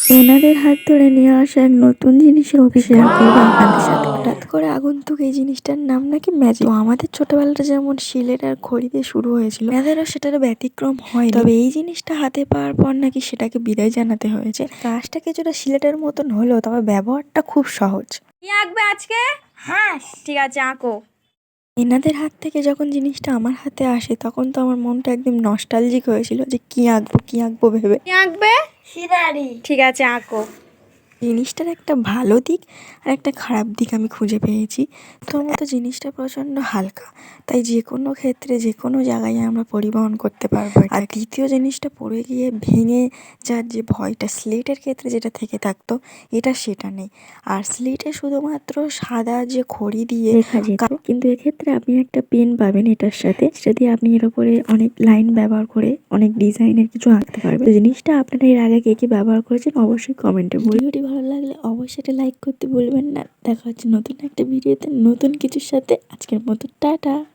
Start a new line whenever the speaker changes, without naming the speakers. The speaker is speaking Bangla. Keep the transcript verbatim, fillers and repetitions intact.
এনাদের হাত ধরে নিয়ে আসা এক নতুন জিনিসের অভিষেক করবো আপনাদের সাথে। হঠাৎ করে আগন্তুক এই জিনিসটার নাম নাকি ম্যাজিক। আমাদের ছোটবেলাটা যেমন শিলের আর খড়ি দিয়ে শুরু হয়েছিল, এনাদেরও সেটার ব্যতিক্রম হয়। তবে এই জিনিসটা হাতে পাওয়ার পর নাকি সেটাকে বিদায় জানাতে হয়েছে। কাজটা কিছুটা সিলেটের মতন হলেও তবে ব্যবহারটা খুব সহজ।
কি আঁকবে আজকে?
হ্যাঁ
ঠিক আছে, আঁকো।
এনাদের হাত থেকে যখন জিনিসটা আমার হাতে আসে তখন তো আমার মনটা একদম নস্টালজিক হয়েছিল যে কি আঁকবো কি আঁকবো ভেবে।
কি আঁকবে?
সিনারি।
ঠিক আছে, আঁকো।
জিনিসটার একটা ভালো দিক আর একটা খারাপ দিক আমি খুঁজে পেয়েছি। প্রথমত জিনিসটা প্রচণ্ড হালকা, তাই যে কোনো ক্ষেত্রে যে কোনো জায়গায় আমরা পরিবহন করতে পারবো। আর দ্বিতীয় জিনিসটা পড়ে গিয়ে ভেঙে যার যে ভয়টা স্লেটের ক্ষেত্রে যেটা থেকে থাকতো, এটা সেটা নেই। আর স্লেটে শুধুমাত্র সাদা যে খড়ি দিয়ে লেখা যেত, কিন্তু এক্ষেত্রে আপনি একটা পেন পাবেন এটার সাথে, সেটা দিয়ে আপনি এর উপরে অনেক লাইন ব্যবহার করে অনেক ডিজাইনের কিছু আঁকতে পারবেন। তো জিনিসটা আপনারা এর আগে কে কি ব্যবহার করেছেন অবশ্যই কমেন্টে বলুন। ভিডিওটি ভালো লাগলে অবশ্যই এটা লাইক করতে ভুলবেন না। দেখা হচ্ছে নতুন একটা ভিডিওতে নতুন কিছুর সাথে। আজকের মতো টাটা।